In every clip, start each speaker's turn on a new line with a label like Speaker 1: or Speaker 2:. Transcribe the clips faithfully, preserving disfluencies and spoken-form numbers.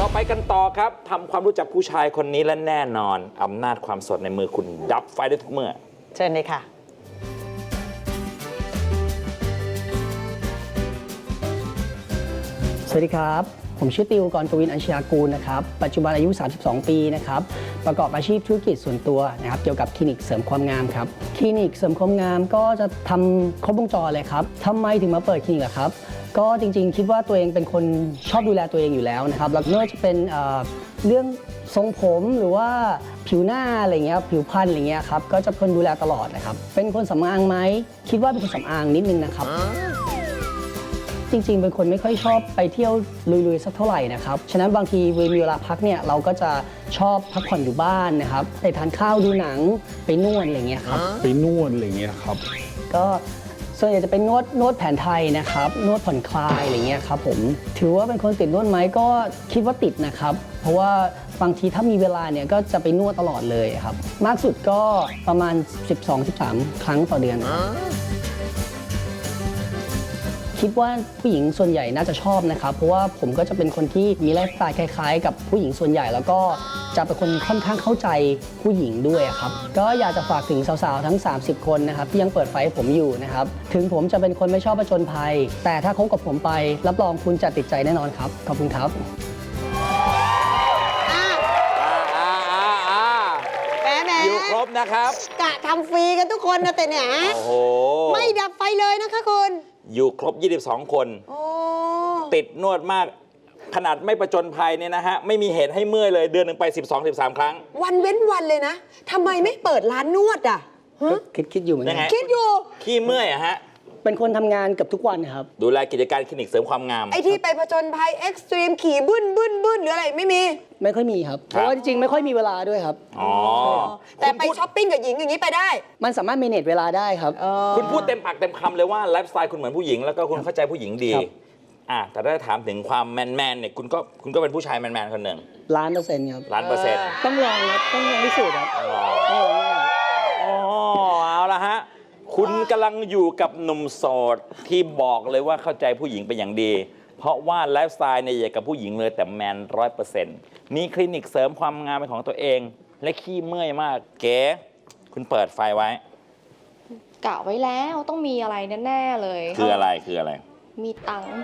Speaker 1: เราไปกันต่อครับทำความรู้จักผู้ชายคนนี้และแน่นอนอำนาจความสดในมือคุณดับไฟได้ทุกเมื่อ
Speaker 2: เชิญเลยค่ะ
Speaker 3: สวัสดีครับผมชื่อติวกรกวินอัญชยากูลนะครับปัจจุบันอายุสามสิบสองปีนะครับประกอบอาชีพธุรกิจส่วนตัวนะครับเกี่ยวกับคลินิกเสริมความงามครับคลินิกเสริมความงามก็จะทำครบวงจรเลยครับทำไมถึงมาเปิดคลินิกล่ะครับก็จริงๆคิดว่าตัวเองเป็นคนชอบดูแลตัวเองอยู่แล้วนะครับแล้วไม่ว่าจะเป็นเอ่อเรื่องทรงผมหรือว่าผิวหน้าอะไรเงี้ยผิวพรรณอะไรเงี้ยครับก็จะเป็นดูแลตลอดนะครับเป็นคนสำอางไหมคิดว่าเป็นคนสำอางนิดนึงนะครับจริงๆเป็นคนไม่ค่อยชอบไปเที่ยวลุยๆสักเท่าไหร่นะครับฉะนั้นบางทีมีเวลาพักเนี่ยเราก็จะชอบพักผ่อนอยู่บ้านนะครับไปทานข้าวดูหนังไปนวดอะไรเงี้ยครับ
Speaker 4: ไปนวดอะไรเงี้ยครับ
Speaker 3: ก็ส่วนใหญ่จะเป็นนวดนวดแผนไทยนะครับนวดผ่อนคลายอะไรเงี้ยครับผมถือว่าเป็นคนติดนวดไหมก็คิดว่าติดนะครับเพราะว่าบางทีถ้ามีเวลาเนี่ยก็จะไปนวดตลอดเลยครับมากสุดก็ประมาณ สิบสองถึงสิบสาม ครั้งต่อเดือนคิดว่าผู้หญิงส่วนใหญ่น่าจะชอบนะครับเพราะว่าผมก็จะเป็นคนที่มีไลฟ์สไตล์คล้ายๆกับผู้หญิงส่วนใหญ่แล้วก็จะเป็นคนค่อนข้างเข้าใจผู้หญิงด้วยครับก็อยากจะฝากถึงสาวๆทั้งสามสิบคนนะครับที่ยังเปิดไฟให้ผมอยู่นะครับถึงผมจะเป็นคนไม่ชอบผจญภัยแต่ถ้าคบกับผมไปรับรองคุณจะติดใจแน่นอนครับขอบคุณครับ
Speaker 2: แหมแหม
Speaker 1: อยู่ครบนะครับ
Speaker 2: กะทำฟรีกันทุกคนนะแต่เนี่ย
Speaker 1: โอ้โห
Speaker 2: ไม่ดับไฟเลยนะคะคุณ
Speaker 1: อยู่ครบยี่สิบสองคนติดนวดมากขนาดไม่ประจนภัยเนี่ยนะฮะไม่มีเหตุให้เมื่อยเลยเดือนหนึ่งไป สิบสอง สิบสาม ครั้ง
Speaker 2: วันเว้นวันเลยนะทำไมไม่เปิดร้านนวดอ่ะ
Speaker 3: คิดคิดอยู่เหมือนกัน
Speaker 2: คิดอยู่
Speaker 1: ขี้เมื่อยอะฮะ
Speaker 3: เป็นคนทำงานเกือบทุกวันครับ
Speaker 1: ดูแลกิจการคลินิกเสริมความงาม
Speaker 2: ไอ้ที่ไปผจญภัยเอ็กซ์ตรีมขี่บึ้นบึ้นบึ้นหรืออะไรไม่มี
Speaker 3: ไม่ค่อยมีครับเพราะว่าจริงๆไม่ค่อยมีเวลาด้วยครับ
Speaker 1: อ๋อ
Speaker 2: แต่ไปช้อปปิ้งกับหญิงอย่างนี้ไปได้
Speaker 3: มันสามารถเมเนจเวลาได้ครับ
Speaker 1: คุณพูดเต็มปากเต็มคำเลยว่าไลฟ์สไตล์คุณเหมือนผู้หญิงแล้วก็คุณเข้าใจผู้หญิงดีอ่ะแต่ถ้าถามถึงความแมนแมนเนี่ยคุณก็คุณก็เป็นผู้ชายแมนแมนคนหนึ่ง
Speaker 3: ล้านเปอร์เซ็นต์ครับ
Speaker 1: ล้านเปอร์เซ็นต์
Speaker 3: ต้องลองครับต้องลองพิสูจน์ครับ
Speaker 1: อ๋อเอาละฮะคุณกำลังอยู่กับหนุ่มโสดที่บอกเลยว่าเข้าใจผู้หญิงเป็นอย่างดีเพราะว่าไลฟ์สไตล์เนี่ยอย่างกับผู้หญิงเลยแต่แมนร้อยเปอร์เซ็นต์มีคลินิกเสริมความงามเป็นของตัวเองและขี้เมื่อยมากเก๋คุณเปิดไฟไว้
Speaker 5: กะไว้แล้วต้องมีอะไรแน่ๆเลย
Speaker 1: คืออะไรคืออะไร
Speaker 5: มีตังค์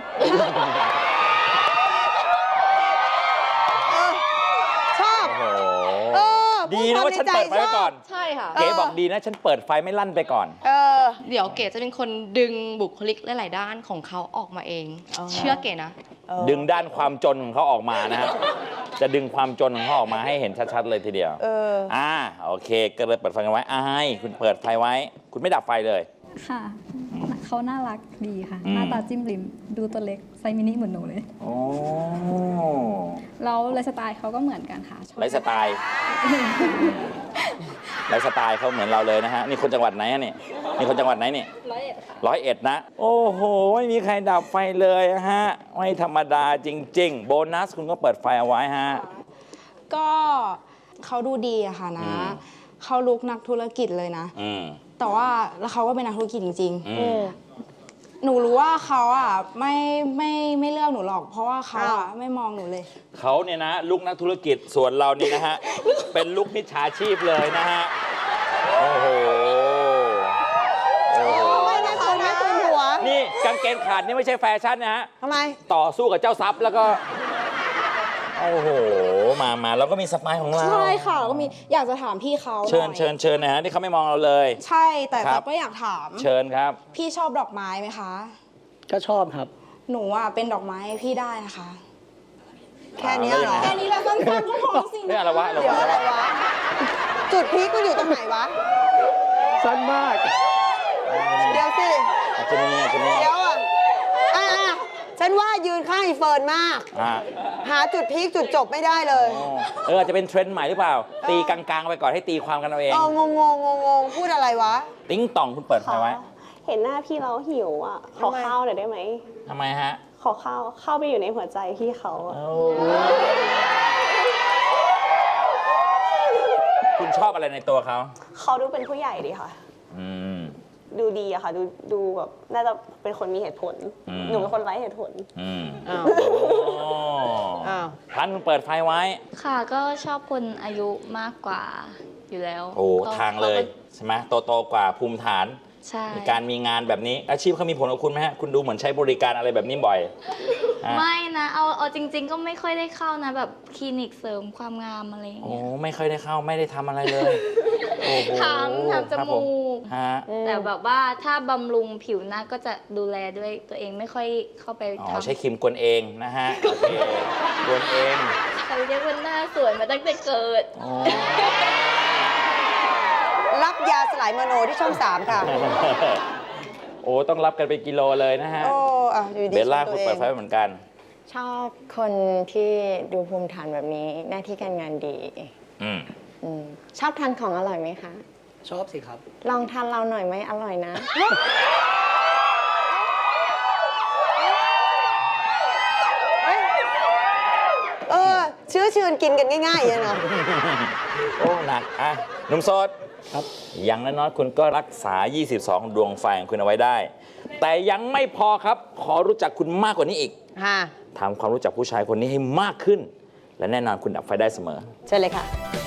Speaker 2: ชอบ
Speaker 1: ดีนะว่าฉันเปิดไฟไว้ก่อน
Speaker 5: ใช่ค่ะ
Speaker 1: เก๋บอกดีนะฉันเปิดไฟไม่ลั่นไปก่อน
Speaker 2: เออ
Speaker 5: เดี๋ยวเก๋จะเป็นคนดึงบุคลิกหลายๆด้านของเขาออกมาเองเชื่อเก๋นะ
Speaker 1: ดึงด้านความจนของเขาออกมานะฮะจะดึงความจนของเขาออกมาให้เห็นชัดๆเลยทีเดียว
Speaker 2: เออ
Speaker 1: อ่าโอเคก็เลยเปิดไฟกันไว้อายคุณเปิดไฟไว้คุณไม่ดับไฟเลย
Speaker 6: ค่ะเขาน่ารักดีค่ะหน้าตาจิ้มริมดูตัวเล็กไซส์มินิเหมือนหนูเลย
Speaker 1: โอ้
Speaker 6: แล้วไลฟ์สไตล์เขาก็เหมือนกันค่ะ
Speaker 1: ไลฟ์สไตล์ไลฟ์สไตล์เขาเหมือนเราเลยนะฮะนี่คนจังหวัดไหนอะนี่นี่คนจังหวัดไหนนี่
Speaker 6: ร้อยเอ็ดค่ะ
Speaker 1: ร้อยเอ็ดนะโอ้โหไม่มีใครดับไฟเลยฮะไม่ธรรมดาจริงๆโบนัสคุณก็เปิดไฟเอาไว้ฮะ
Speaker 7: ก็เขาดูดีอะค่ะนะเขาลุกนักธุรกิจเลยนะแต่ว่าแล้วเขาก็เป็นนักธุรกิจจริงๆหนูรู้ว่าเขาอ่ะไม่ไม่ไม่เลือกหนูหรอกเพราะว่าเขาอ่ะไม่มองหนูเลย
Speaker 1: เขาเนี่ยนะลุกนักธุรกิจส่วนเรานี่นะฮะ เป็นลุกมิจฉาชีพเลยนะฮะโอ้โห
Speaker 2: โอ้โหไม่นะคุณนะคุณหัว
Speaker 1: นี่กางเกงขาดนี่ไม่ใช่แฟชั่นนะฮะ
Speaker 2: ทำไม
Speaker 1: ต่อสู้กับเจ้าทรัพย์แล้วก็โอ้โหมามาแล้วก็มีสไตล์ของเรา
Speaker 7: ใช่ค่ะแล้วก็มีอยากจะถามพี่เขา
Speaker 1: เชิญเชิญเชิญนะฮะนี่เขาไม่มองเราเลย
Speaker 7: ใช่แต่แต่ก็อยากถาม
Speaker 1: เชิญครับ
Speaker 7: พี่ชอบดอกไม้ไหมคะ
Speaker 3: ก็ชอบครับ
Speaker 7: หนูอ่ะเป็นดอกไม้พี่ได้นะคะ
Speaker 2: แค่นี้เหรอ
Speaker 7: แค่นี้แหละสั้นๆก็พอสิ
Speaker 1: ไม่อะไรวะ
Speaker 2: เดี๋ยวอะไรวะจุดพีคมันอยู่ตรงไหนวะ
Speaker 3: สั้นมาก
Speaker 2: เดี๋ยวสิ
Speaker 1: อาจจะมีอาจจะมี
Speaker 2: เดี๋ยวอ่ะอ่ะฉันว่ายืนข้างอีเฟิร์นมากหาจุดพีคจุดจบไม่ได้เลย
Speaker 1: เอออาจจะเป็นเทรนด์ใหม่หรือเปล่าตีกลางๆไปก่อนให้ตีความกันเอาเอง
Speaker 2: เอองงงงงงพูดอะไรวะ
Speaker 1: ติ้งต่องคุณเปิดไฟไว้
Speaker 8: เห็นหน้าพี่เราหิวอ่ะขอข้าวหน่อยได้ไหม
Speaker 1: ทำไมฮะ
Speaker 8: ขอข้าวเข้าไปอยู่ในหัวใจพี่เขาอะ
Speaker 1: คุณชอบอะไรในตัวเขา
Speaker 8: เขาดูเป็นผู้ใหญ่ดีค่ะ
Speaker 1: อืม
Speaker 8: ดูดีอะค่ะ ดูดูแบบน่าจะเป็นคนมีเหตุผล
Speaker 1: อืม
Speaker 8: หนูเป็นคนไร้เหตุผล
Speaker 1: อืม
Speaker 2: อ้าว
Speaker 1: โอ้
Speaker 2: อ้าว
Speaker 1: พันคุณเปิดไฟไว้
Speaker 4: ค่ะก็ชอบคนอายุมากกว่าอยู่แล้ว
Speaker 1: โอ้
Speaker 4: ก็
Speaker 1: ทางเลย
Speaker 4: ขาก็
Speaker 1: ใช่ไหมโตโตๆกว่าภูมิฐาน
Speaker 4: ใช่
Speaker 1: มีการมีงานแบบนี้ อาชีพเขามีผลกับคุณไหมฮะ คุณดูเหมือนใช้บริการอะไรแบบนี้บ่อยฮะ
Speaker 4: ไม่นะเอาเอาจริง ๆ ก็ไม่ค่อยได้เข้านะแบบคลินิกเสริมความงามอะไรอย่าง
Speaker 1: โอ้
Speaker 4: เงี้ย
Speaker 1: ไม่เคยได้เข้าไม่ได้ทำอะไรเลยโอ้โห
Speaker 4: ทำทำจ
Speaker 1: ครับผ
Speaker 4: มูก
Speaker 1: ฮะ
Speaker 4: แต่แบบว่าถ้าบำรุงผิวหน้าก็จะดูแลด้วยตัวเองไม่ค่อยเข้าไป
Speaker 1: อ๋อ
Speaker 4: ทำ
Speaker 1: ใช้ครีมกวนเองนะฮะ โอเคกวนเอง
Speaker 4: เขาเรียกว่าหน้าสวยมาตั้งแต่เกิด
Speaker 1: อ๋อ
Speaker 2: รับยาสลายมโนที่ช่องสามค่ะ
Speaker 1: โอ้ ต้องรับกันเป็นกิโลเลยนะฮะ
Speaker 2: โอ้อ่ะอยู่ดี
Speaker 1: เบลล่า
Speaker 2: ชม
Speaker 1: คุณ
Speaker 2: ตัว
Speaker 1: เปิดไฟ
Speaker 2: อง
Speaker 1: ไว้เหมือนกัน
Speaker 9: ชอบคนที่ดูภูมิฐานแบบนี้หน้าที่การงานดี
Speaker 1: อืม
Speaker 9: อมชอบทานของอร่อยไหมคะ
Speaker 3: ชอบสิครับ
Speaker 9: ลองทานเราหน่อยไหมอร่อยนะ
Speaker 2: เออเชื้อเชิญกินกันง่ายๆเลยเนาะ
Speaker 1: โอ้หนักอ่ะหนุ่มโสด
Speaker 3: ครับ
Speaker 1: อย่างน้อยๆคุณก็รักษา ยี่สิบสอง ดวงไฟของคุณเอาไว้ได้ แต่ยังไม่พอครับ ขอรู้จักคุณมากกว่านี้อีก
Speaker 2: ค่ะ
Speaker 1: ทำความรู้จักผู้ชายคนนี้ให้มากขึ้น และแน่นอนคุณดับไฟได้เสมอ
Speaker 2: เชิญเลยค่ะ